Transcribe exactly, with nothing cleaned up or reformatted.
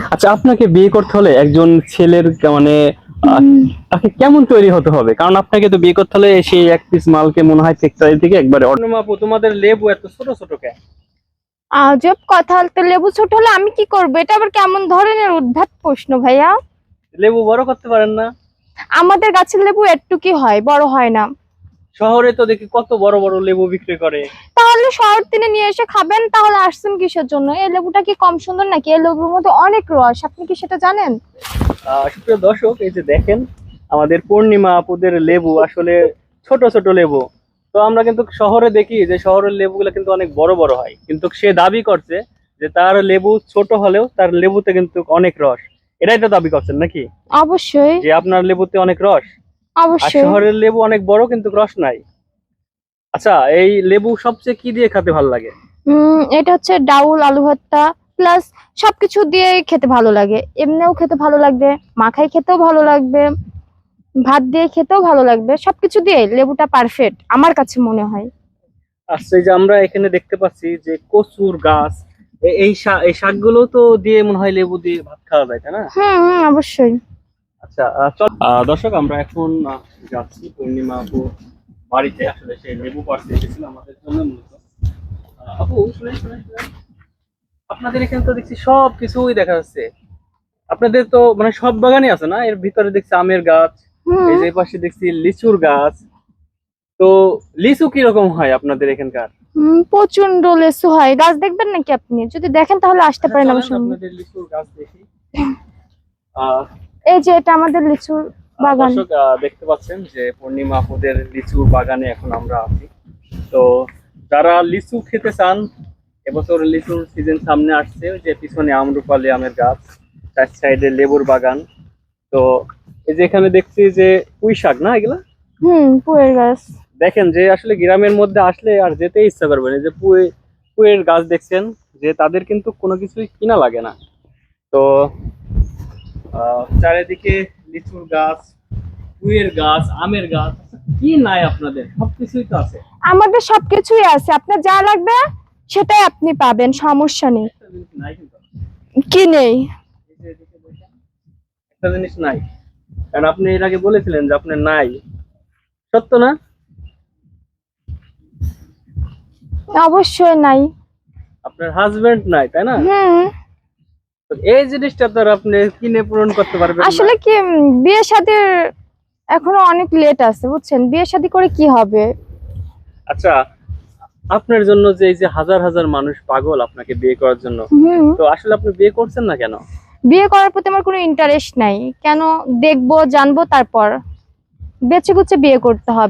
আচ্ছা, আপনাকে বিয়ে করতে হলে একজন ছেলের কে- মানে আহ, তাকে কেমন তৈরি হতে হবে? কারণ আপনাকে তো বিয়ে করতে হলে সেই এক পিস মালকে মনে হয় ফ্যাক্টরি থেকে একবারে অন্য মাপু। তোমাদের লেবু এত ছোট ছোট কেন? আজব কথা, তো লেবু ছোট হলে আমি কি করবো? এটা আবার কেমন ধরনের উদ্ভট প্রশ্ন ভাইয়া? লেবু বড় করতে পারেন না? আমাদের গাছের লেবু একটু কি হয়, বড় হয় না। শহরে তো দেখি কত বড় বড় লেবু বিক্রি করে। তাহলে শহর থেকে নিয়ে এসে খাবেন। তাহলে আসছেন কিসের জন্য? এই লেবুটা কি কম সুন্দর নাকি? এই লেবুর মধ্যে অনেক রস, আপনি কি সেটা জানেন? আহ সুপ্রিয় দর্শক, এই যে দেখেন আমাদের পূর্ণিমা আপুদের লেবু আসলে ছোট ছোট লেবু। তো আমরা কিন্তু শহরে দেখি যে শহরের লেবুগুলো কিন্তু অনেক বড় বড় হয়, কিন্তু সে দাবি করছে যে তার লেবু ছোট হলেও তার লেবুতে কিন্তু অনেক রস। এটাই তো দাবি করছেন নাকি, অবশ্যই। যে আপনার লেবুতে অনেক রস? আর অবশ্যই। শহরের লেবু অনেক বড় কিন্তু রস নাই। আচ্ছা, এই লেবু সবচেয়ে কি দিয়ে খেতে ভালো লাগে? উম এটা হচ্ছে ডাউল, আলু ভর্তা প্লাস সবকিছু দিয়ে খেতে ভালো লাগে। এমনিও খেতে ভালো লাগবে, মাখাই খেতেও ভালো লাগবে, ভাত দিয়ে খেতেও ভালো লাগবে। সবকিছু দিয়ে লেবুটা পারফেক্ট আমার কাছে মনে হয়। আচ্ছা, এই যে আমরা এখানে দেখতে পাচ্ছি যে কচুর গাছ, এ- এই শাক, এই শাকগুলো তো দিয়ে মনে হয় লেবু দিয়ে ভাত খাওয়া যায়, তাই না? হুম হুম, অবশ্যই। আচ্ছা, আহ, চল আহ, দর্শক, আমরা এখন আহ, যাচ্ছি পূর্ণিমা আপু বাড়িতে। আসলে সে লেবু পাড়তে এসেছিল আমাদের জন্য মূলত। আহ, আপু, শুনেন শুনেন শুনেন। আপনাদের এখানে তো দেখছি সব কিছুই দেখা যাচ্ছে। আপনাদের তো মানে সব বাগানই আছে না? এর ভিতরে দেখছি আমের গাছ, এই হুম। যে পাশে দেখছি লিচুর গাছ। তো লিচু কিরকম হয় আপনাদের এখানকার? হুম, প্রচন্ড লেসু হয়। গাছ দেখবেন নাকি? আপনি যদি দেখেন তাহলে আসতে আচ্ছা, পারেন আমার চলেন সঙ্গে। আপনাদের লিচুর গাছ দেখি। আহ এই যে এটা আমাদের লিচুর আহ, বাগান। দর্শক, আহ, দেখতে পাচ্ছেন যে পূর্ণিমা আপুদের লিচুর বাগানে এখন আমরা আছি। তো যারা লিচু খেতে চান, এবছর লিচুর সিজন সামনে আসছে, ওই যে পিছনে আমরুপালি আমের গাছ, চার সাইডে লেবুর বাগান। তো এই যে এখানে দেখছি যে পুঁই শাক না এগুলা। হুম, পুয়ের গাছ। দেখেন যে আসলে গ্রামের মধ্যে আসলে আর যেতে ইচ্ছা করবে না। এই যে পুঁই, পুঁইয়ের গাছ দেখছেন, যে তাদের কিন্তু কোনো কিছুই কিনা লাগে না। তো আহ চারিদিকে লিচুর গাছ, পুঁইয়ের গাছ, আমের গাছ। আচ্ছা, কি নাই আপনাদের? সবকিছুই তো আছে। আমাদের সবকিছুই আছে, আপনার যা লাগবে সেটাই আপনি পাবেন, সমস্যা নেই। একটা জিনিস নাই কিন্তু। কি নেই? এই যে এদিকে দেখেন, একটা জিনিস নাই। কারণ আপনি এর আগে বলেছিলেন যে আপনার নাই, সত্য না? অবশ্যই নাই। আপনার হাজবেন্ড নাই, তাই না? হুম। তো এই জিনিসটা তো আর আপনি কিনে পূরণ করতে পারবেন না। আসলে কি, উম, বিয়ে শাদীর এখনো অনেক লেট আছে, বুঝছেন? বিয়ে শাদী করে কি হবে? আচ্ছা, আপনার জন্য যে এই যে হাজার হাজার মানুষ পাগল আপনাকে বিয়ে করার জন্য, হুম। তো আসলে আপনি বিয়ে করছেন না কেন? বিয়ে করার প্রতি আমার কোনো ইন্টারেস্ট নাই। কেন? দেখবো, জানবো, তারপর বেছে বুঝে বিয়ে করতে হবে।